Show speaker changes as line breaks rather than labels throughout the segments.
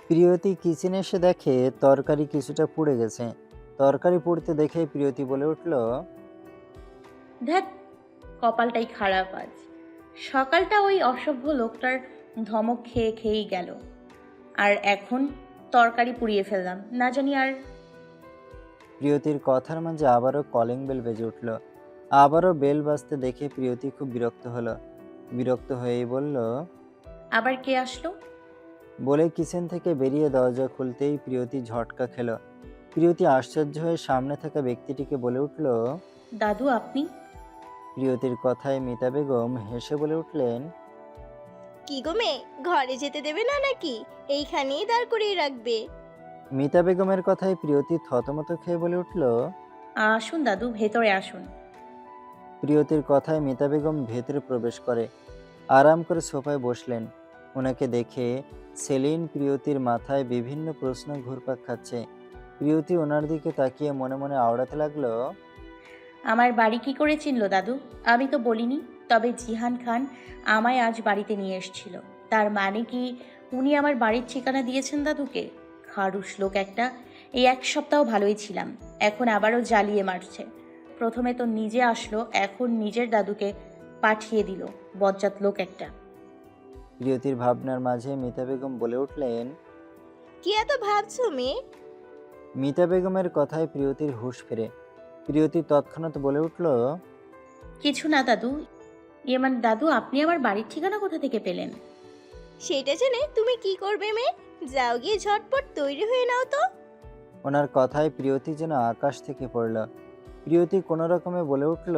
প্রিয়তি কিচেনে এসে দেখে তরকারি কিছুটা পুড়ে গেছে। তরকারি পুড়তে দেখে প্রিয়তি বলে উঠল,
ধ্যাত, কপালটাই খারাপ আজ। সকালটা ওই অসভ্য লোকটার ধমক খেয়ে খেয়েই গেল, আর এখন তরকারি পুড়িয়ে ফেললাম না জানি আর।
প্রিয়তির কথার মাঝে আবারও কলিং বেল বেজে উঠল। আবারও বেল বাজতে দেখে প্রিয়তি খুব বিরক্ত হলো। বিরক্ত হয়েই বলল,
আবার কে আসলো?
বলে কিচেন থেকে বেরিয়ে দরজা খুলতেই প্রিয়তি ঝটকা খেল। প্রিয়তি আশ্চর্য হয়ে সামনে থাকা ব্যক্তিটিকে বলে উঠল,
দাদু আপনি?
প্রিয়তির কথায় মিতা বেগম হেসে বলে উঠলেন,
কি গো মেয়ে, ঘরে যেতে দেবে না নাকি? এইখানেই দাঁড় করিয়ে রাখবে?
মিতা বেগমের কথায় প্রিয়তি থতমত খেয়ে বলে উঠল।
আসুন দাদু, ভেতরে আসুন।
প্রিয়তির কথায় মিতা বেগম ভেতরে প্রবেশ করে আরাম করে সোফায় বসলেন। ওনাকে দেখে সেলিন প্রিয়তির মাথায় বিভিন্ন প্রশ্ন ঘুরপাক খাচ্ছে। প্রিয়তি ওনার দিকে তাকিয়ে মনে মনে আওড়াতে লাগলো,
আমার বাড়ি কি করে চিনল দাদু? আমি তো বলিনি। তবে জিহান খান আমায় আজ বাড়িতে নিয়ে এসেছিল। তার মানে কি উনি আমার বাড়ির ঠিকানা দিয়েছেন দাদুকে? খারুস লোক একটা। এই এক সপ্তাহ ভালোই ছিলাম, এখন আবারও জ্বালিয়ে মারছে। প্রথমে তো নিজে আসলো, এখন নিজের দাদুকে পাঠিয়ে দিল। বজ্জাত লোক একটা।
প্রিয়তির ভাবনার মাঝে মিতা বেগম বলে উঠলেন।
কি এত ভাবছো মেয়ে?
মিতা বেগমের কথায় প্রিয়তির হুঁশ ফেরে। প্রিয়তি তৎক্ষণাৎ বলে উঠল,
কিছু না দাদু। ইয়ে মানে দাদু, আপনি আমার বাড়ির ঠিকানা কোথা থেকে পেলেন?
সেটা জেনে তুমি কি করবে মেয়ে? যাও গিয়ে ঝটপট তৈরি হয়ে নাও তো।
ওনার কথায় প্রিয়তি যেন আকাশ থেকে পড়ল। প্রিয়তি কোনো রকমে বলে উঠল,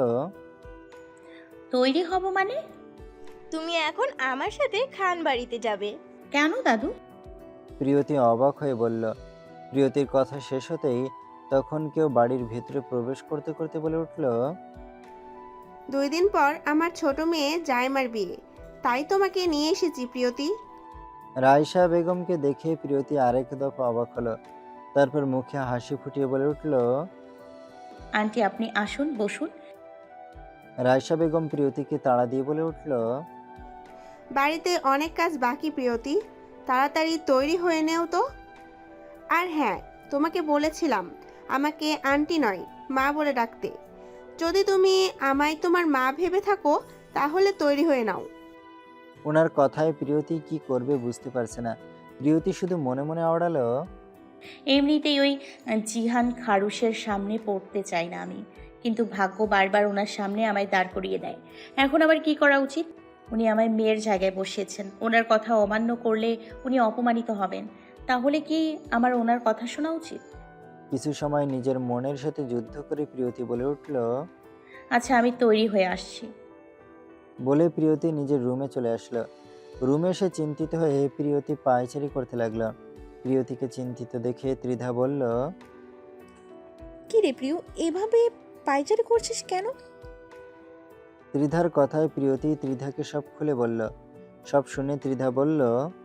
তৈরি হব মানে?
তুমি এখন আমার সাথে খান বাড়িতে যাবে।
কেন দাদু?
প্রিয়তি অবাক হয়ে বলল। প্রিয়তির কথা শেষ হতেই তখন কেউ বাড়ির ভেতরে প্রবেশ করতে করতে বলে উঠল,
2 দিন পর আমার ছোট মেয়ে জায়মার বিয়ে, তাই তোমাকে নিয়ে এসেছি প্রিয়তি।
রায়শা বেগমকে দেখে প্রিয়তি আরেক দফা অবাক হলো। তারপর মুখে হাসি ফুটিয়ে বলে উঠল,
আন্টি আপনি আসুন, বসুন।
রায়শা বেগম প্রিয়তিকে তাড়া দিয়ে বলে উঠল,
বাড়িতে অনেক কাজ বাকি প্রিয়তি, তাড়াতাড়ি তৈরি হয়ে নেও তো। আর হ্যাঁ, তোমাকে বলেছিলাম আমাকে আন্টি নয় মা বলে ডাকতে। যদি তুমি আমায় তোমার মা ভেবে থাকো তাহলে তৈরি হয়ে নাও।
ওনার কথায় প্রিয়তি কি করবে বুঝতে পারছে না। প্রিয়তি শুধু মনে মনে আওড়ালো,
এমনিতেই ওই জিহান খারুসের সামনে পড়তে চাই না আমি, কিন্তু ভাগ্য বারবার ওনার সামনে আমায় দাঁড় করিয়ে দেয়। এখন আবার কি করা উচিত? উনি আমায় মেয়ের জায়গায় বসিয়েছেন, ওনার কথা অমান্য করলে উনি অপমানিত হবেন। তাহলে কি আমার ওনার কথা শোনা উচিত?
কিছু সময় নিজের মনের সাথে যুদ্ধ করে প্রিয়তি বলে উঠল।
আচ্ছা, আমি তৈরি হয়ে আসছি।
বলে প্রিয়তি নিজের রুমে চলে আসলো। রুমে এসে চিন্তিত হয়ে প্রিয়তি পায়চারি করতে লাগলো। প্রিয়তিকে চিন্তিত দেখে ত্রিধা বলল,
কি রে প্রিয়, এভাবে পায়চারি করছিস কেন?
ত্রিধার কথায় প্রিয়তি ত্রিধাকে সব খুলে বলল। সব শুনে ত্রিধা বলল,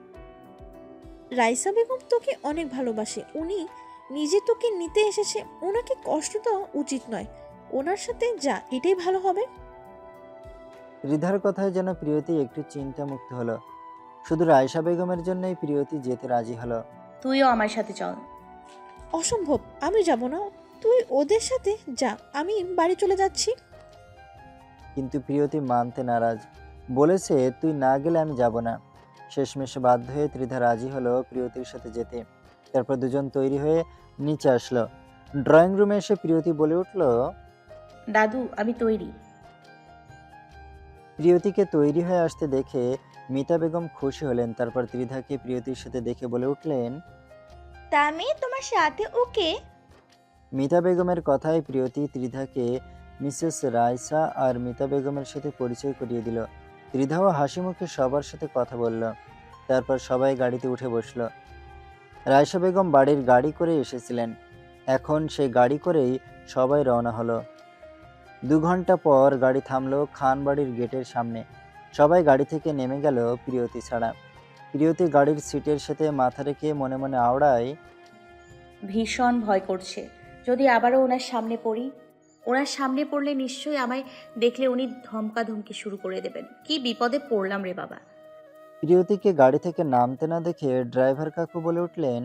রাইসা বেগম তোকে অনেক ভালোবাসে, উনি নিজে তোকে নিতে এসেছে, ওনাকে কষ্ট দেওয়া উচিত নয়। ওনার সাথে যা, এটাই ভালো হবে।
ত্রিধার কথায় যেন প্রিয়তি একটু চিন্তামুক্ত হলো। শুধু রায়শা বেগমের জন্যই প্রিয়তি যেতে রাজি হলো।
তুইও আমার সাথে চল।
অসম্ভব, আমি যাব না। তুই ওদের সাথে যা, আমি বাড়ি চলে যাচ্ছি।
কিন্তু প্রিয়তি মানতে নারাজ, বলেছে তুই না গেলে আমি যাব না। শেষমেশ বাধ্য হয়ে ত্রিধা রাজি হলো প্রিয়তির সাথে যেতে। তারপর দুজন তৈরি হয়ে নিচে আসলো। ড্রয়িং রুমে এসে প্রিয়তি বলে উঠল,
দাদু আমি তৈরি।
প্রিয়তিকে তৈরি হয়ে আসতে দেখে মিতা বেগম খুশি হলেন। তারপর ত্রিধাকে প্রিয়তির সাথে দেখে বলে উঠলেন।
তা মেয়ে তোমার সাথে ওকে?
মিতা বেগমের কথায় প্রিয়তি ত্রিধাকে মিসেস রায়সা আর মিতা বেগমের সাথে পরিচয় করিয়ে দিল। ত্রিধাও হাসি মুখে সবার সাথে কথা বলল। তারপর সবাই গাড়িতে উঠে বসল। রায়সা বেগম বাড়ির গাড়ি করে এসেছিলেন। এখন সেই গাড়ি করেই সবাই রওনা হলো। 2 ঘন্টা পর গাড়ি থামলো খান বাড়ির গেটের সামনে। সবাই গাড়ি থেকে নেমে গেল প্রিয়তি ছাড়া। প্রিয়তি গাড়ির সিটের সাথে মাথা রেখে মনে মনে আওড়ায়,
ভীষণ ভয় করছে, যদি আবারও ওনার সামনে পড়ি। ওনার সামনে পড়লে নিশ্চয়ই আমায় দেখলে উনি ধমকাধমকি শুরু করে দেবেন। কি বিপদে পড়লাম রে বাবা।
প্রিয়তিকে গাড়ি থেকে নামতে না দেখে ড্রাইভার কাকু বলে উঠলেন।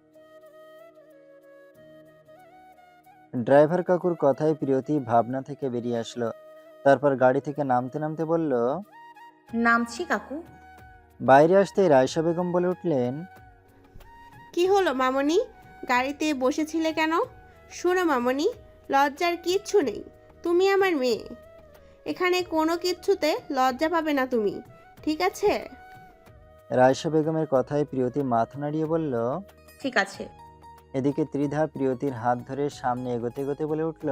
ড্রাইভার কাকুর কথায় প্রিয়তি ভাবনা থেকে বেরিয়ে আসলো। তারপর গাড়ি থেকে নামতে নামতে বলল।
নামছি কাকু।
বাইরে আসতেই রায়শা বেগম বলে উঠলেন।
কি হলো মামনি, গাড়িতে বসেছিলে কেন? শোনো মামনি, লজ্জার কিচ্ছু নেই, তুমি আমার মেয়ে। এখানে কোনো কিচ্ছুতে লজ্জা পাবে না তুমি, ঠিক আছে?
রায়শা বেগমের কথায় প্রিয়তি মাথা নাড়িয়ে বলল।
ঠিক আছে।
এদিকে ত্রিধা প্রিয়তির হাত ধরে সামনে এগোতে এগোতে বলে উঠল।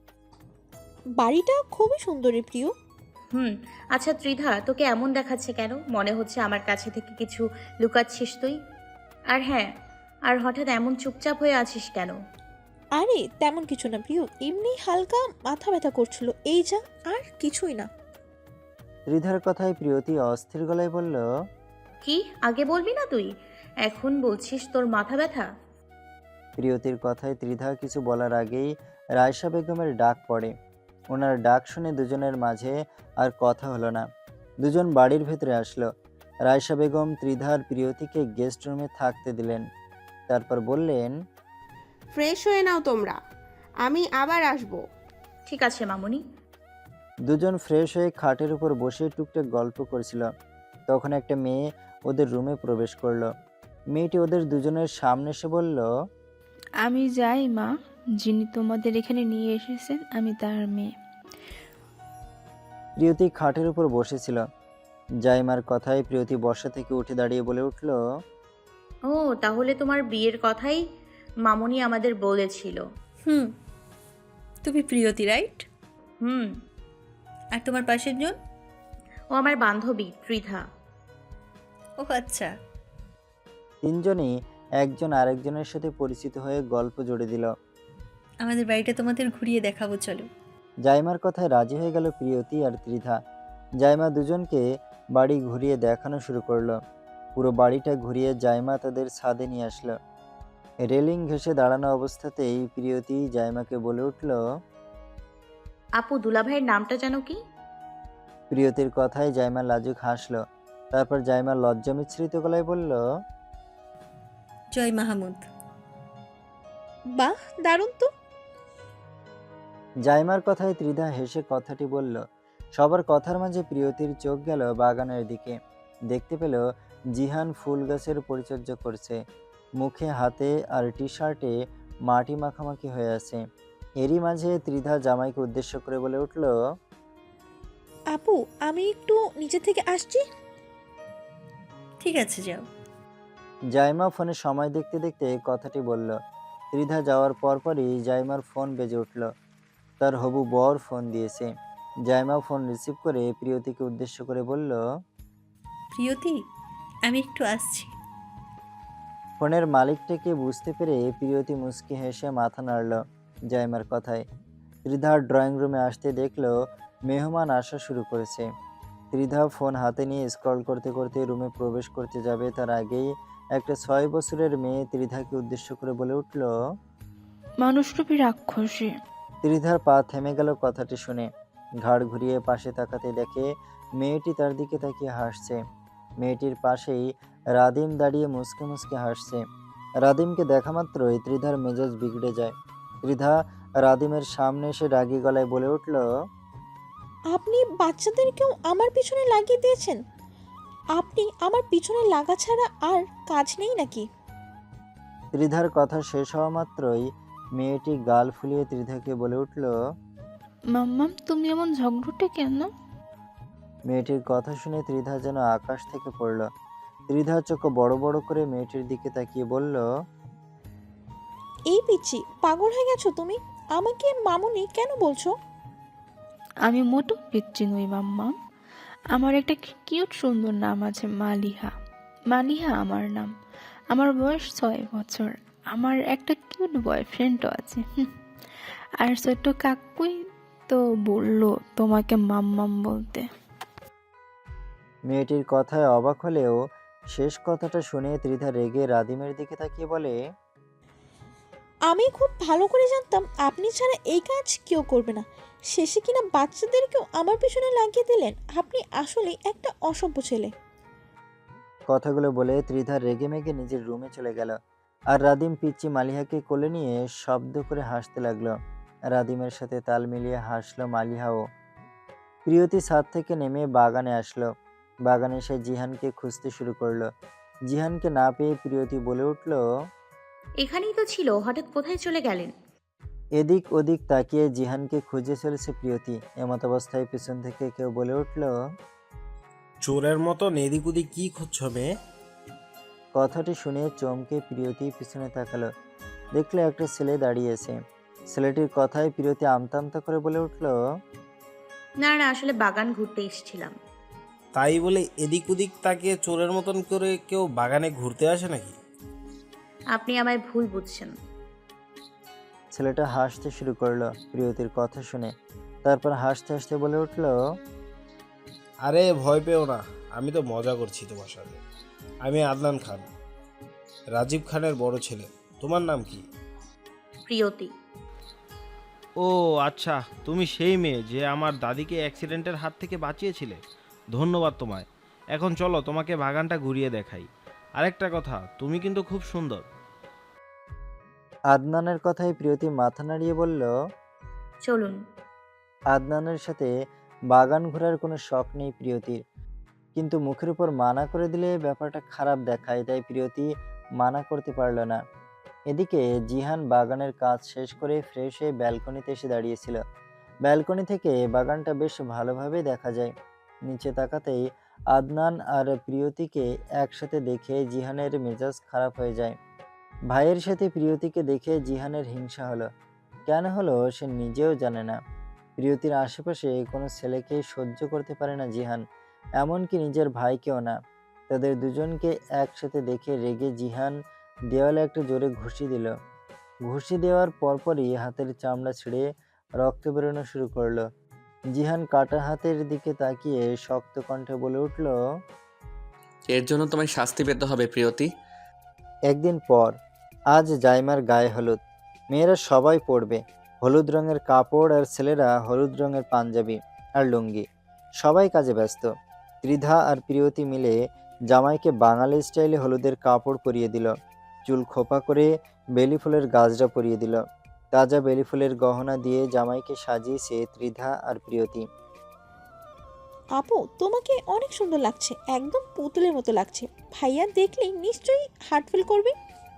বাড়িটা খুবই সুন্দরী প্রিয়।
আচ্ছা ত্রিধা, তোকে এমন দেখাচ্ছে কেন? মনে হচ্ছে আমার কাছে থেকে কিছু লুকাচ্ছিস তুই। আর হ্যাঁ, আর হঠাৎ এমন চুপচাপ হয়ে আছিস কেন?
আরে তেমন কিছু না প্রিয়, এমনি হালকা মাথা ব্যথা করছিল, এই যা, আর কিছুই না।
ত্রিধার কথায় প্রিয়তি অস্থির গলায় বলল।
কি আগে বলবি না তুই, এখন বলছিস তোর মাথা ব্যথা?
প্রিয়তির কথায় ত্রিধা কিছু বলার আগেই রায়শা বেগমের ডাক পড়ে। ওনার ডাক শুনে দুজনের মাঝে আর কথা হলো না। দুজন বাড়ির ভেতরে আসলো। রায়শা বেগম ত্রিধার প্রিয়তিকে গেস্ট রুমে থাকতে দিলেন। তারপর বললেন।
ফ্রেশ হয়ে নাও তোমরা, আমি আবার আসবো।
ঠিক আছে মামুনি।
দুজন ফ্রেশ হয়ে খাটের উপর বসে টুকটাক গল্প করছিল। তখন একটা মেয়ে ওদের রুমে প্রবেশ করলো। মেয়েটি ওদের দুজনের সামনে এসে বলল।
আমি যাই মা, যিনি তোমাদের এখানে নিয়ে এসেছেন আমি তার মেয়ে।
প্রিয়তি খাটের উপর বসেছিল। জাইমার কথায় প্রিয়তি বসা থেকে উঠে দাঁড়িয়ে বলে উঠল।
ও তাহলে তোমার বিয়ের কথাই মামুনি আমাদের বলেছিল।
তুমি প্রিয়তি, রাইট?
হুম।
আর তোমার পাশের জন?
ও আমার বান্ধবী ত্রিধা।
ও আচ্ছা।
তিনজনই একজন আরেকজনের সাথে পরিচিত হয়ে গল্প জুড়ে দিল।
আমাদের বাড়িটা তোমাদের ঘুরিয়ে দেখাবো, চলো।
জাইমার কথায় রাজি হয়ে গেল প্রিয়তি আর ত্রিধা। জাইমা দুজনকে বাড়ি ঘুরিয়ে দেখানো শুরু করলো। পুরো বাড়িটা ঘুরিয়ে জাইমা তাদের ছাদে নিয়ে আসলো। রেলিং ঘেঁষে দাঁড়ানো অবস্থাতেই প্রিয়তি জাইমাকে বলে উঠল।
আপু, দুলাভাইয়ের নামটা যেন কি?
প্রিয়তির কথায় জাইমা লাজুক হাসলো। তারপর জাইমা লজ্জা মিশ্রিত গলায় বলল।
জয় মাহমুদ।
বাহ, দারুণ তো।
জাইমার কথায় ত্রিধা হেসে কথাটি বলল। সবার কথার মাঝে প্রিয়তির চোখ গেল বাগানের দিকে। দেখতে পেল জিহান ফুল গাছের পরিচর্যা করছে। মুখে, হাতে আর টি শার্টে মাটি মাখামাখি হয়ে আছে। এরই মাঝে ত্রিধা জামাইকে উদ্দেশ্য করে বলে উঠল।
আপু, আমি একটু নিচে থেকে আসছি।
ঠিক আছে, যাও।
জাইমা ফোনে সময় দেখতে দেখতে কথাটি বলল। ত্রিধা যাওয়ার পরপরই জাইমার ফোন বেজে উঠল। তার হবু বর ফোন দিয়েছে। জাইমা ফোন রিসিভ করে প্রিয়তিকে উদ্দেশ্য করে বলল।
প্রিয়তি, আমি একটু আসছি।
ফোনের মালিকটাকে বুঝতে পেরে প্রিয়তি মুচকি হেসে মাথা নাড়ল জাইমার কথায়। ত্রিধা ড্রয়িং রুমে আসতে দেখলো মেহমান আসা শুরু করেছে। ত্রিধা ফোন হাতে নিয়ে স্ক্রল করতে করতে রুমে প্রবেশ করতে যাবে, তার আগেই একটা 6 বছরের মেয়ে ত্রিধাকে উদ্দেশ্য করে বলে উঠল।
মানুষরূপী রাক্ষসী।
ত্রিধার পা থেমে গেল কথাটি শুনে। ঘাড় ঘুরিয়ে পাশে তাকাতে দেখে মেয়েটি তার দিকে তাকিয়ে হাসছে। মেয়েটির পাশেই রাদিম দাঁড়িয়ে মুচকে মুচকে হাসছে। রাদিমকে দেখা মাত্রই ত্রিধার মেজাজ বিগড়ে যায়। ত্রিধা রাদিমের সামনে এসে রাগী গলায় বলে উঠল।
আপনি বাচ্চাদেরকেও আমার পিছনে লাগিয়ে দিয়েছেন। আপনি আমার পিছনে লাগা ছাড়া আর কাজ নেই নাকি?
ত্রিধার কথা শেষ হওয়া মাত্রই মেয়েটি গাল ফুলিয়ে ত্রিধাকে বলে উঠল।
মাম্মাম, তুমি এমন ঝগড়টে কেন?
মেয়েটির কথা শুনে ত্রিধা যেন আকাশ থেকে পড়ল। ত্রিধা চোখ বড় বড় করে মেয়েটির দিকে তাকিয়ে বলল।
এই পিচ্ছি, পাগল হয়ে গেছো তুমি? আমাকে মামুনি কেন বলছো?
আমি মোটো পিচ্ছি নই মাম্মাম। আমার একটা কিউট সুন্দর নাম আছে, মালিহা। মালিহা আমার নাম। আমার বয়স 6 বছর। আমার একটা কিউট বয়ফ্রেন্ডও আছে। আর ছোট্ট কাকুই তো বললো তোমাকে মাম্মাম বলতে।
মেয়েটির কথায় অবাক হলেও শেষ কথাটা শুনে ত্রিধা রেগে রাদিমের দিকে তাকিয়ে বলে।
আমি খুব ভালো করে জানতাম আপনি ছাড়া এই কাজ কেউ করবে না। শেষে কিনা বাচ্চাদেরকেও আমার পিছনে লাগিয়ে দিলেন। আপনি আসলে একটা অসভ্য ছেলে।
কথাগুলো বলে ত্রিধা রেগেমেগে নিজের রুমে চলে গেল। আর রাদিম পিচ্চি মালিহাকে কোলে নিয়ে শব্দ করে হাসতে লাগলো। রাদিমের সাথে তাল মিলিয়ে হাসলো মালিহাও। প্রিয়তি ছাদ থেকে নেমে বাগানে আসলো। বাগানে এসে জিহানকে খুঁজতে শুরু করলো। জিহানকে না পেয়ে প্রিয়তি বলে উঠল,
এখানেই তো ছিল, হঠাৎ কোথায় চলে গেলেন?
এদিক ওদিক তাকিয়ে জিহানকে খুঁজে চলেছে প্রিয়তি। এমত অবস্থায় পিছন থেকে কেউ বলে উঠল,
চোরের মতন এদিক ওদিক কি খুঁজছো মেয়ে?
কথাটি শুনে চমকে প্রিয়তি পিছনে তাকালো। দেখলো একটা ছেলে দাঁড়িয়েছে। ছেলেটির কথায় প্রিয়তি আমতা আমতা করে বলে উঠল,
না না, আসলে বাগান ঘুরতে এসেছিলাম।
তাই বলে এদিক ওদিক তাকিয়ে চোরের মতন করে কেউ বাগানে ঘুরতে আসে নাকি?
আপনি আমায় ভুল বুঝছেন।
ছেলেটা হাসতে শুরু করলো প্রিয়তির কথা শুনে। তারপর হাসতে হাসতে বলে উঠল,
আরে ভয় পেও না, আমি তো মজা করছি তোমার সাথে। আমি আদনান খান, রাজীব খানের বড় ছেলে। তোমার নাম কি?
প্রিয়তি।
ও আচ্ছা, তুমি সেই মেয়ে যে আমার দাদিকে অ্যাক্সিডেন্টের হাত থেকে বাঁচিয়েছিলে। ধন্যবাদ তোমায়। এখন চলো তোমাকে বাগানটা ঘুরিয়ে দেখাই। আরেকটা কথা, তুমি কিন্তু খুব সুন্দর।
আদনানের কথায় প্রিয়তি মাথা নাড়িয়ে বলল,
চলুন।
আদনানের সাথে বাগান ঘোরার কোনো শখ নেই প্রিয়তির, কিন্তু মুখের উপর মানা করে দিলে ব্যাপারটা খারাপ দেখায়, তাই প্রিয়তি মানা করতে পারল না। এদিকে জিহান বাগানের কাজ শেষ করে ফ্রেশ হয়ে ব্যালকনিতে এসে দাঁড়িয়েছিল। ব্যালকনি থেকে বাগানটা বেশ ভালোভাবে দেখা যায়। নিচে তাকাতেই আদনান আর প্রিয়তিকে একসাথে দেখে জিহানের মেজাজ খারাপ হয়ে যায়। ভাইয়ের সাথে প্রিয়তিকে দেখে জিহানের হিংসা হলো। কেন হলো সে নিজেও জানে না। প্রিয়তির আশেপাশে কোনো ছেলেকে সহ্য করতে পারে না জিহান, এমনকি নিজের ভাইকেও না। তাদের দুজনকে একসাথে দেখে রেগে জিহান দেওয়ালে একটা জোরে ঘুষি দিল। ঘুষি দেওয়ার পরপরই হাতের চামড়া ছিঁড়ে রক্ত বেরোনো শুরু করলো। জিহান কাটা হাতের দিকে তাকিয়ে শক্ত কণ্ঠে বলে উঠল,
এর জন্য তোমায় শাস্তি পেতে হবে প্রিয়তি।
একদিন পর আজ জাইমার গায়ে হলুদ। মেয়েরা সবাই পরবে হলুদ রঙের কাপড়, আর ছেলেরা হলুদ রঙের পাঞ্জাবি আর লুঙ্গি। সবাই কাজে ব্যস্ত। ত্রিধা আর প্রিয়তি মিলে জামাইকে বাঙালি স্টাইলে হলুদের কাপড় পরিয়ে দিল। চুল খোপা করে বেলি ফুলের গাজরা পরিয়ে দিল। তাজা বেলি ফুলের গহনা দিয়ে জামাইকে সাজিয়েছে ত্রিধা আর প্রিয়তি।
আপু, তোমাকে অনেক সুন্দর লাগছে, একদম পুতুলের মতো লাগছে। ভাইয়া দেখলেই নিশ্চয়ই হার্ট ফিল করবে।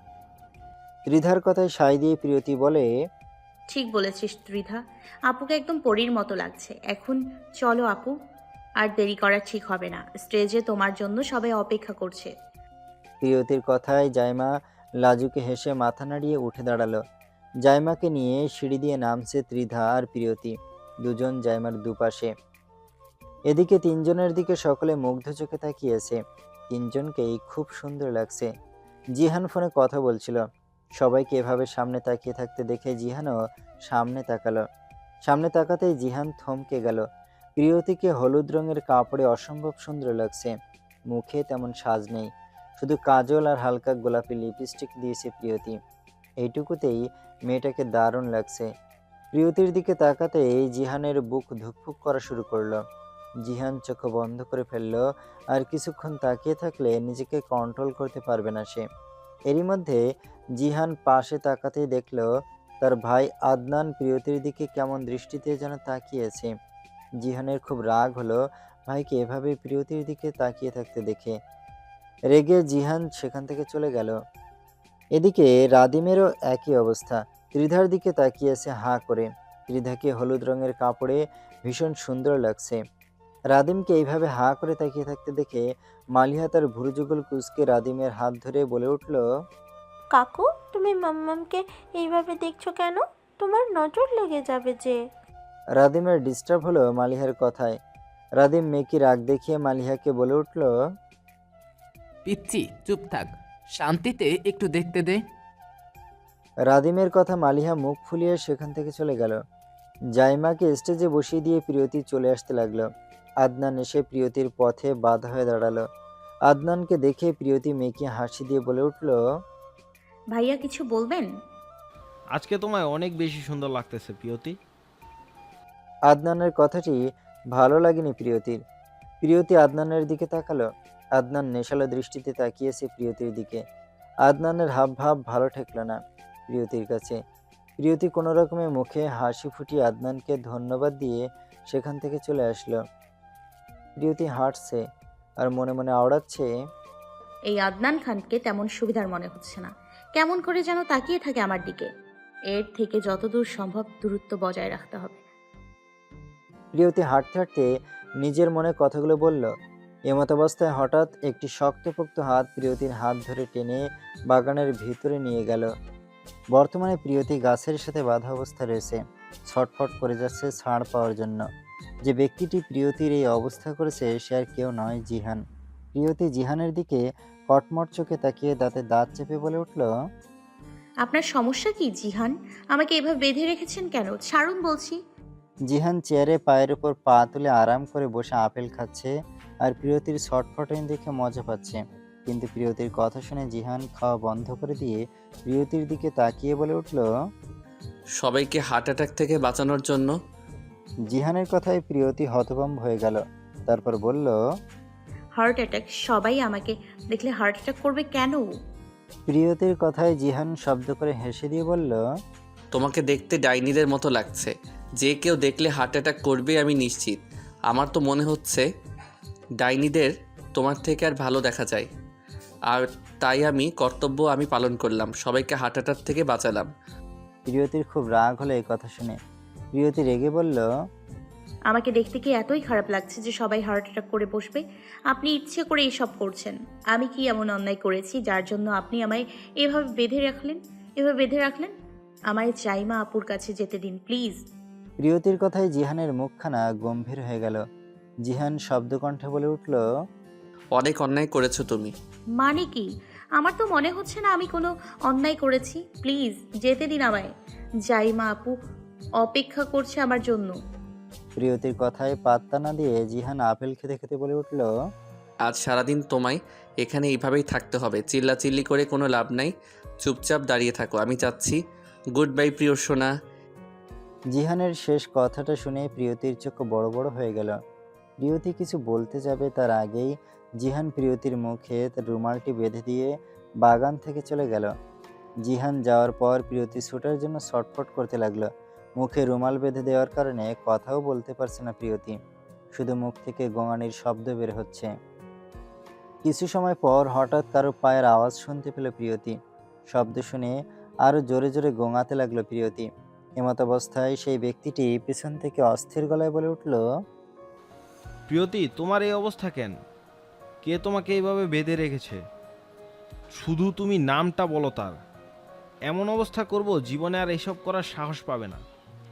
ত্রিধার কথায় সায় দিয়ে প্রিয়তি বলে,
ঠিক বলেছিস ত্রিধা, আপুকে একদম পরীর মতো লাগছে। এখন চলো আপু, আর দেরি করা ঠিক হবে না। স্টেজে তোমার জন্য সবাই অপেক্ষা করছে।
প্রিয়তির কথায় জাইমা লাজুকে হেসে মাথা নাড়িয়ে উঠে দাঁড়ালো। জাইমাকে নিয়ে সিঁড়ি দিয়ে নামছে ত্রিধা আর প্রিয়তি, দুজন জাইমার দুপাশে। এদিকে তিনজনের দিকে সকলে মুগ্ধ চোখে তাকিয়েছে। তিনজনকেই খুব সুন্দর লাগছে। জিহান ফোনে কথা বলছিল। সবাইকে এভাবে সামনে তাকিয়ে থাকতে দেখে জিহানও সামনে তাকালো। সামনে তাকাতেই জিহান থমকে গেল। প্রিয়তিকে হলুদ রঙের কাপড়ে অসম্ভব সুন্দর লাগছে। মুখে তেমন সাজ নেই, শুধু কাজল আর হালকা গোলাপি লিপস্টিক দিয়েছে প্রিয়তি। এইটুকুতেই মেয়েটাকে দারুণ লাগছে। প্রিয়তির দিকে তাকাতেই জিহানের বুক ধুকফুক করা শুরু করলো। জিহান চোখ বন্ধ করে ফেললো, আর কিছুক্ষণ তাকিয়ে থাকলে নিজেকে কন্ট্রোল করতে পারবে না সে। এরই মধ্যে জিহান পাশে তাকাতেই দেখলো তার ভাই আদনান প্রিয়তির দিকে কেমন দৃষ্টিতে যেন তাকিয়েছে। জিহানের খুব রাগ হলো ভাইকে এভাবে প্রিয়তির দিকে তাকিয়ে থাকতে দেখে। রেগে জিহান সেখান থেকে চলে গেল। এদিকে রাদিমেরও একই অবস্থা। ত্রিধার দিকে তাকিয়েছে হাঁ করে। ত্রিধাকে হলুদ রঙের কাপড়ে ভীষণ সুন্দর লাগছে। রাদিমকে এইভাবে হাঁ করে তাকিয়ে থাকতে দেখে মালিহা তার ভুরু যুগল কুঁচকে রাদিমের হাত ধরে বলে উঠল,
কাকু, তুমি মাম্মামকে এইভাবে দেখছো কেন? তোমার নজর লেগে যাবে যে।
রাদিমের ডিস্টার্ব হলো মালিহার কথায়। রাদিম মেকি রাগ দেখিয়ে মালিহাকে বলে উঠল,
পিচ্ছি চুপ থাক, শান্তিতে একটু দেখতে দে।
রাদিমের কথা মালিহা মুখ ফুলিয়ে সেখান থেকে চলে গেল। জাইমাকে স্টেজে বসিয়ে দিয়ে প্রিয়তি চলে আসতে লাগলো। আদনান এসে প্রিয়তির পথে বাধা হয়ে দাঁড়ালো। আদনানকে দেখে প্রিয়তি মেয়েকে হাসি দিয়ে বলে উঠল,
ভাইয়া কিছু বলবেন?
আজকে তোমায় অনেক বেশি সুন্দর লাগতেছে প্রিয়তি।
আদনানের কথাটি ভালো লাগেনি প্রিয়তির। প্রিয়তি আদনানের দিকে তাকালো। আদনান নেশালো দৃষ্টিতে তাকিয়েছে প্রিয়তির দিকে। আদনানের হাবভাব ভালো ঠেকলো না প্রিয়তির কাছে। প্রিয়তি কোনো রকমে মুখে হাসি ফুটিয়ে আদনানকে ধন্যবাদ দিয়ে সেখান থেকে চলে আসলো। প্রিয়তি হাঁটছে আর মনে মনে আওড়াচ্ছে,
এই আদনান খানকে তেমন সুবিধার মনে হচ্ছে না, কেমন করে যেন তাকিয়ে থাকে আমার দিকে। এর থেকে যতদূর সম্ভব দূরত্ব বজায় রাখতে হবে।
প্রিয়তি হাঁটতে হাঁটতে নিজের মনে কথাগুলো বলল। এমতাবস্থায় হঠাৎ একটি শক্তপোক্ত হাত প্রিয়তির হাত ধরে টেনে বাগানের ভিতরে নিয়ে গেল। বর্তমানে প্রিয়তি গাছের সাথে বাঁধা অবস্থা রয়েছে, ছটফট করে যাচ্ছে ছাড় পাওয়ার জন্য। যে ব্যক্তিটি প্রিয়তির এই অবস্থা করেছে সে আর কেউ নয়, জিহান। প্রিয়তি জিহানের দিকে কটমট চোখে তাকিয়ে দাঁতে দাঁত চেপে বলে উঠল,
আপনার সমস্যা কি জিহান? আমাকে এভাবে বেঁধে রেখেছেন কেন? ছাড়ুন বলছি।
জিহান চেয়ারে পায়ের উপর পা তুলে আরাম করে বসে আপেল খাচ্ছে আর প্রিয়তির ছটফটানি দেখে মজা পাচ্ছে। কিন্তু প্রিয়তির কথা শুনে জিহান খাওয়া বন্ধ করে দিয়ে প্রিয়তির দিকে তাকিয়ে বলে উঠল,
সবাইকে হার্ট অ্যাটাক থেকে বাঁচানোর জন্য।
জিহানের কথায় প্রিয়তি হতভম্ব হয়ে গেল। তারপর বলল,
হার্ট অ্যাটাক? সবাই আমাকে দেখলে হার্ট অ্যাটাক করবে কেন?
প্রিয়তির কথায় জিহান শব্দ করে হেসে দিয়ে বলল,
তোমাকে দেখতে ডাইনিদের মতো লাগছে, যে কেউ দেখলে হার্ট অ্যাটাক করবে আমি নিশ্চিত। আমার তো মনে হচ্ছে ডাইনিদের তোমার থেকে আর ভালো দেখা যায়, আর তাই আমি পালন করলাম, সবাইকে হার্ট অ্যাটাক থেকে বাঁচালাম।
প্রিয়তির খুব রাগ হলো এই কথা শুনে। প্রিয়তি রেগে বলল,
আমাকে দেখতে কি এতই খারাপ লাগছে যে সবাই হার্ট অ্যাটাক করে বসবে? আপনি ইচ্ছে করে এইসব করছেন। আমি কি এমন অন্যায় করেছি যার জন্য আপনি আমায় এভাবে বেঁধে রাখলেন? আমায় জাইমা আপুর কাছে যেতে দিন প্লিজ।
প্রিয়তির কথায় জিহানের মুখখানা গম্ভীর হয়ে গেল। জিহান শব্দকণ্ঠে বলে উঠল,
অনেক অন্যায় করেছো তুমি।
মানে কি? আমার তো মনে হচ্ছে না আমি কোনো অন্যায় করেছি। প্লিজ যেতে দিন আমায়। জাইমা আপু অপেক্ষা করছে আমার জন্য।
প্রিয়তির কথায় পাত্তা না দিয়ে জিহান আপেল খেতে খেতে বলে উঠল,
আজ সারাদিন তোমায় এখানে এইভাবেই থাকতে হবে, চিল্লাচিল্লি করে কোনো লাভ নাই, চুপচাপ দাঁড়িয়ে থাকো, আমি যাচ্ছি। গুড বাই প্রিয় সোনা।
জিহানের শেষ কথাটা শুনে প্রিয়তির চোখ বড় বড় হয়ে গেল। প্রিয়তি কিছু বলতে যাবে তার আগেই জিহান প্রিয়তির মুখে তার রুমালটি বেঁধে দিয়ে বাগান থেকে চলে গেল। জিহান যাওয়ার পর প্রিয়তি ছুটার জন্য ছটফট করতে লাগলো। মুখে রুমাল বেঁধে দেওয়ার কারণে কথাও বলতে পারছে না প্রিয়তি, শুধু মুখ থেকে গোঙানির শব্দ বের হচ্ছে। কিছু সময় পর হঠাৎ কারো পায়ের আওয়াজ শুনতে পেল প্রিয়তি। শব্দ শুনে আরো জোরে জোরে গোঙাতে লাগলো প্রিয়তি। এমতাবস্থায় সেই ব্যক্তিটি পিছন থেকে অস্থির গলায় বলে উঠল,
প্রিয়তি, তোমার এই অবস্থা কেন? কে তোমাকে এইভাবে বেঁধে রেখেছে? শুধু তুমি নামটা বলো তার। এমন অবস্থা করব জীবনে আর এসব করার সাহস পাবে না।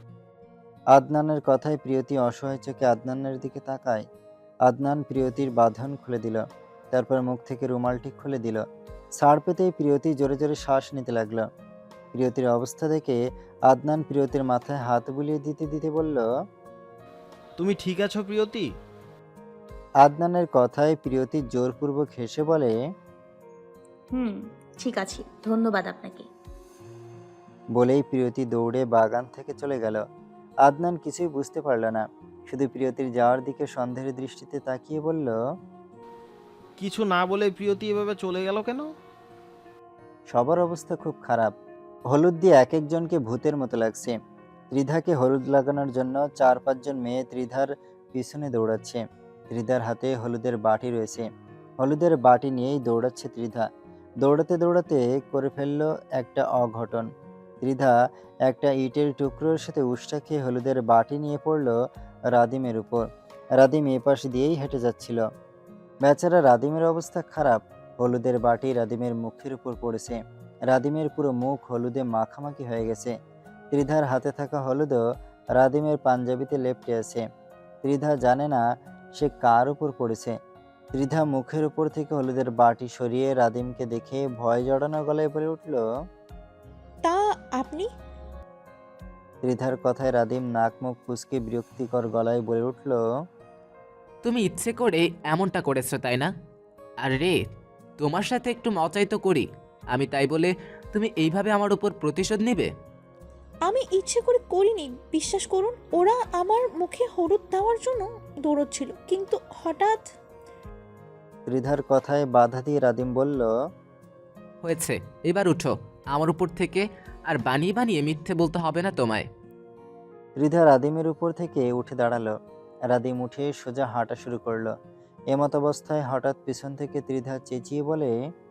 আদনানের কথায় প্রিয়তি অসহায় চোখে আদনানের দিকে তাকায়। আদনান প্রিয়তির বাঁধন খুলে দিল, তারপর মুখ থেকে রুমালটি খুলে দিল। ছাড় পেতেই প্রিয়তি জোরে জোরে শ্বাস নিতে লাগলো। প্রিয়তির অবস্থা দেখে আদনান প্রিয়তির মাথায় হাত বুলিয়ে দিতে দিতে বলল,
তুমি ঠিক আছো প্রিয়তি?
আদনানের কথায় প্রিয়তি জোরপূর্বক হেসে বলে,
ঠিক আছে, ধন্যবাদ আপনাকে।
বলেই প্রিয়তি দৌড়ে বাগান থেকে চলে গেল। আদনান কিছুই বুঝতে পারল না, শুধু প্রিয়তির যাওয়ার দিকে সন্দেহের দৃষ্টিতে তাকিয়ে বলল,
কিছু না বলে প্রিয়তি এভাবে চলে গেল কেন?
সবার অবস্থা খুব খারাপ। হলুদ দিয়ে এক একজনকে ভূতের মতো লাগছে। ত্রিধাকে হলুদ লাগানোর জন্য 4-5 জন মেয়ে ত্রিধার পিছনে দৌড়াচ্ছে। ত্রিধার হাতে হলুদের বাটি রয়েছে, হলুদের বাটি নিয়েই দৌড়াচ্ছে ত্রিধা। দৌড়াতে দৌড়াতে করে ফেলল একটা অঘটন। ত্রিধা একটা ইটের টুকরোর সাথে উষ্টা খেয়ে হলুদের বাটি নিয়ে পড়ল রাদিমের উপর। রাদিম এপাশ দিয়েই হেঁটে যাচ্ছিল। বেচারা রাদিমের অবস্থা খারাপ। হলুদের বাটি রাদিমের মুখের উপর পড়েছে। রাদিমের পুরো মুখ হলুদে মাখামাখি হয়ে গেছে। ত্রিধার হাতে থাকা হলুদও রাদিমের পাঞ্জাবিতে লেপ্টে আছে। ত্রিধা জানে না সে কার উপর পড়েছে। ত্রিধা মুখের উপর থেকে হলুদের বাটি সরিয়ে রাদিমকে দেখে ভয় জড়ানো গলায় বলে উঠল,
তা আপনি?
ত্রিধার কথায় রাদিম নাক মুখ কুঁচকে বিরক্তিকর গলায় বলে উঠল,
তুমি ইচ্ছে করে এমনটা করেছো তাই না? আর রে, তোমার সাথে একটু মজাই তো করি আমি, তাই বলে তুমি এইভাবে আমার উপর প্রতিশোধ নেবে?
আমি ইচ্ছে করে করিনি, বিশ্বাস করুন। ওরা আমার মুখে হলুদ দেওয়ার জন্য দৌড়চ্ছিল, কিন্তু হঠাৎ।
ত্রিধার কথায় বাধা দিয়ে রাদিম বলল,
হয়েছে, এবার উঠো আমার উপর থেকে, আর বানিয়ে বানিয়ে মিথ্যে বলতে হবে না তোমায়।
ত্রিধা রাদিমের উপর থেকে উঠে দাঁড়ালো। রাদিম উঠে সোজা হাঁটা শুরু করলো। এমত অবস্থায় হঠাৎ পিছন থেকে ত্রিধা চেঁচিয়ে বলে,